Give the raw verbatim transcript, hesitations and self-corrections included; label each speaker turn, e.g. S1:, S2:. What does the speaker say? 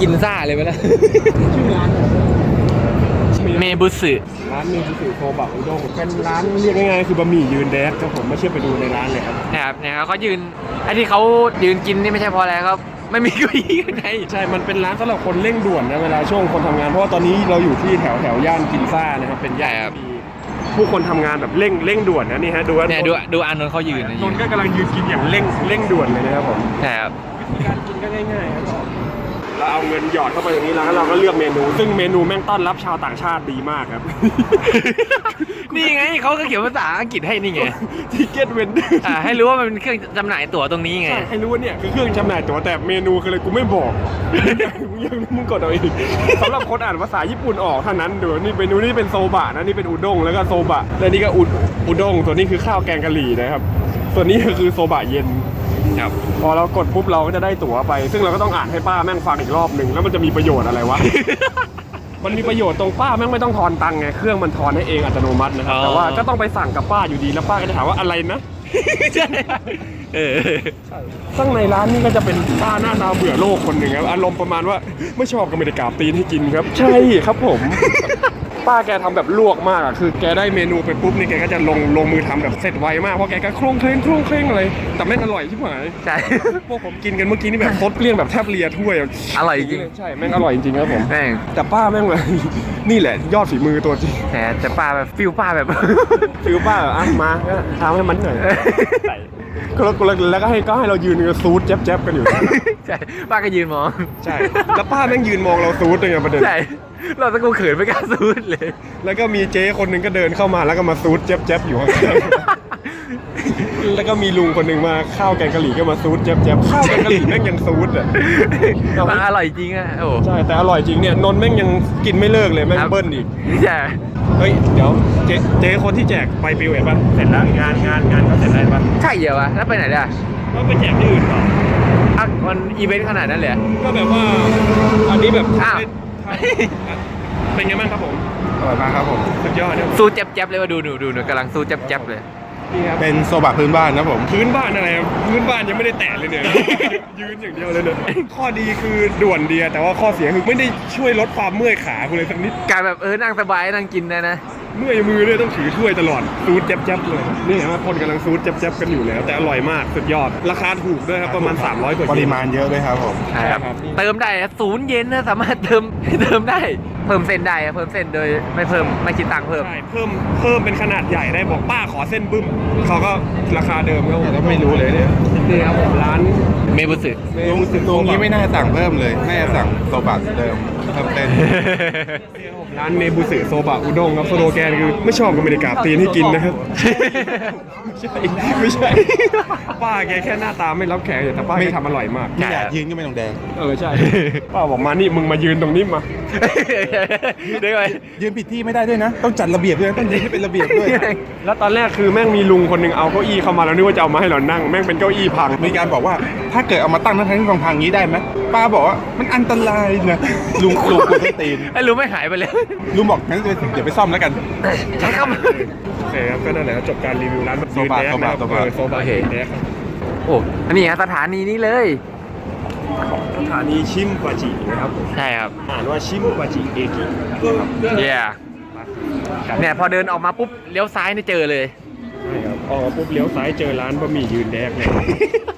S1: กินซ่าเลยไปแล้ว
S2: ชื่อร้าน
S1: เมบุสึ
S2: ร้านเมบุสึโซบะอุด้งเป็นร้านเรียกง่ายๆคือบะหมี่ยืนแดดครับผมไม่เชื่อไปดูในร้านเลยครับ
S1: นะครับเนี่ยเขายืนไอ้ที่เขายืนกินนี่ไม่ใช่เพราะอะไรครับไม่มีเก้าอี้ข้างใน
S2: ใช่มันเป็นร้านสำหรับคนเร่งด่วนนะเวลาช่วงคนทำงานเพราะว่าตอนนี้เราอยู่ที่แถวแถวย่านกินซ่านะครับเป็นย่านที่ผู้คนทำงานแบบเร่งเร่งด่วนนะนี่ฮะดู
S1: เนี่ยดูดูอานนท์เขายืน
S2: นนท์ก็กำลังยืนกินอย่างเร่งเร่งด่วนเลยนะครับผม
S1: ใช่ครับ
S2: วิธีการกินก็ง่ายๆครับเราเอาเงินหยอดเข้าไปตรงนี้แล้วเราก็เลือกเมนูซึ่งเมนูแม่งต้อนรับชาวต่างชาติดีมากครับ
S1: นี่ไงเขาก็เขียนภาษาอังกฤษให้นี่ไง
S2: ทิเก็ตเวนเดอร์
S1: อ่าให้รู้ว่ามันเป็นเครื่องจำหน่ายตั๋วตรงนี้ไง
S2: ใช่ให้รู้ว่าเนี่ยคือเครื่องจำหน่ายตั๋วแต่เมนูคืออะไรกูไม่บอกมึงยังมึงกดเอาเองสำหรับคนอ่านภาษาญี่ปุ่นออกเท่านั้นดูนี่เมนูนี่เป็นโซบะนะนี่เป็นอุด้งแล้วก็โซบะและนี่ก็อุอุด้งส่วนนี้คือข้าวแกงกะหรี่นะครับส่วนนี้ก็คือโซบะเย็น
S1: ครับ
S2: พอเรากดปุ๊บเราก็จะได้ตั๋วไปซึ่งเราก็ต้องอ่านให้ป้าแม่งฟังอีกรอบหนึ่งแล้วมันจะมีประโยชน์อะไรวะ มันมีประโยชน์ตรงป้าแม่งไม่ต้องทอนตังค์ไงเครื่องมันทอนให้เองอัตโนมัตินะครับแต่ว่าก็ต้องไปสั่งกับป้าอยู่ดีแล้วป้าก็จะถามว่าอะไรนะ
S1: ใช่เออ
S2: ข้างในร้านนี่ก็จะเป็นป้าหน้าตาเบื่อโลกคนหนึ่งครับอารมณ์ประมาณว่าไม่ชอบก็ไม่ได้กราบตีนให้กินครับใช่ครับผมป้าแกทำแบบลวกมากอ่ะคือแกได้เมนูไปปุ๊บนี่แกก็จะลงลงมือทำแบบเสร็จไวมากเพราะแกก็ครุ่งเคร่งครุ่งเคร่งเลยแต่แม่งอร่อยที่หมาย
S1: ใช่
S2: พวกผมกินกันเมื่อกี้นี่แบบซดเปรี้ยงแบบแทบเลียถ้วย
S1: อร่อยจริง
S2: ใช่แม่งอร่อยจริงครับผม
S1: แม่ง
S2: แต่ป้าแม่งเลยนี่แหละยอดฝีมือตัวจริง
S1: แหมแต่ป้าแบบฟิลป้าแบบ
S2: ฟิลป้าแบบอ่ะมาทำให้มันหน่อยแล้วก็ให้ก็ให้เรายืนกันซูดแจ๊บๆกันอยู่
S1: ใช่ป้าก็ยืนมอง
S2: ใช่แล้วป้าแม่งยืนมองเราซูดเลยไงประเด็น
S1: ใช่เราตะกูเขินไม่กล้าซูดเลย
S2: แล้วก็มีเจ๊คนหนึ่งก็เดินเข้ามาแล้วก็มาซูดแจ๊บๆอยู่ข้างแล้วก็มีลุงคนหนึ่งมาข้าวแกงกะหรี่ก็มาซูดแจ๊บๆข้าวแกงกะหรี่แม่งยังซูดอ่ะ
S1: มันอร่อยจริงอ่ะโอ้
S2: ใช่แต่อร่อยจริงเนี่ยนนท์แม่งยังกินไม่เลิกเลยแม่งเบิ้ลอีก
S1: ใช่
S2: เฮ้ยเดี๋ยวเจ๊เจ๊คนที่แจกไปปิวเห็นป่ะเสร็จแล้วงานงานงานเขาเสร็จแล้วป่ะ
S1: ใช่เดี๋ยววะแล้วไปไหนเนี่ย
S2: ก็ไปแจกที่อื่นต่อ
S1: อ่ะมันอีเวนต์ขนาดนั้นเลย
S2: ก็แบบว่าอันนี้แบบเป็นไงบ้างครับผม
S3: อร่อยมากครับผม
S2: สุดยอด
S1: สู้แจ๊บๆเลยว่าดูดูดูหนูกำลังสู้แจ๊บๆเลย
S2: นี่ครับ
S3: เป็นโซบะพื้นบ้านนะผม
S2: พื้นบ้านอะไรพื้นบ้านยังไม่ได้แตะเลยเนี่ยยืนอย่างเดียวเลยเนี่ยข้อดีคือด่วนเดียแต่ว่าข้อเสียคือไม่ได้ช่วยลดความเมื่อยขาคุณเลยสักนิด
S1: การแบบเออนั่งสบายนั่งกินนะนะ
S2: เมื่อยมือเลยต้องถือถ้วยตลอดซูดแจ๊บๆเลยนี่เห็นไหมคนกำลังซูดแจ๊บๆกันอยู่แล้วแต่อร่อยมากสุดยอดราคาถูกด้วยครับประมาณสามร้อยกว่า
S3: ปริมาณเยอะด้วยครับผม
S1: ใช่ครับเติมได้ศูนย์เย็นนะสามารถเติมเติมได้เพิ่มเส้นได้เพิ่มเส้นโดยไม่เพิ่มไม่คิดตังค์เพิ่ม
S2: ใช่เพิ่มเพิ่มเป็นขนาดใหญ่ได้บอกป้าขอเส้นบึ้มเขาก็ราคาเดิมครับ
S3: ผมไม่รู้เลยเนี่ย
S2: นี่ครับผมร้าน
S1: เมบุสึ
S3: ลุงตรงนี้ไม่น่าสั่งเพิ่มเลยน่าจะสั่งโซบะเดิมเพิ่มเป็น
S2: ร้านเมบุสึโซบะอุด้งครับสโลแกนคือไม่ชอบก็ไม่ได้กราบตีนให้กินนะครับไม่ใช่ไม่ใช่ป้าแกแค่หน้าตาไม่รับแขกแต่ป้าแกทำอร่อยมาก
S3: ไม่อยากยืนก็ไม่ต้องแดง
S2: เออใช่ป้าบอกมานี่มึงมายืนตรงนี้มา
S1: ได้ไหม
S3: ยืนผิดที่ไม่ได้ด้วยนะต้องจัดระเบียบด้วยต้องยืนให้เป็นระเบียบด้วย
S2: แล้วตอนแรกคือแม่งมีลุงคนหนึ่งเอาเก้าอี้เข้ามาแล้วนึกว่าจะเอามาให้เรานั่งแม่งเป็นเก้าอี้พัง
S3: มีการบอกว่าถ้าเกิดเอามาตั้งทั้งที่พังๆนี้ได้ไหมป้าบอกว่ามันอันตรายนะลุงลุงกูต้องตีน
S1: ไอ้ลุงไม่หายไปเลย
S3: ลุงบอกงั้นเดี๋ยวไปซ่อมแล้วกัน
S1: ใช่ครับ
S2: โอเคครับก็นั่นแหละจบการรีวิวร้าน
S3: โซบะโซบะโซบะ
S2: โซบะแดก
S1: โอ้อันนี้สถานีนี้เลย
S2: สถานีชิมปาจินะครับ
S1: ใช่ครับ
S2: อ่านว่าชิมปาจิเอกิ
S1: เย่เนี่ยพอเดินออกมาปุ๊บเลี้ยวซ้ายนี่เจอเลย
S2: ใช่ครับออกมาปุ๊บเลี้ยวซ้ายเจอร้านบะหมี่ยืนแดกเลย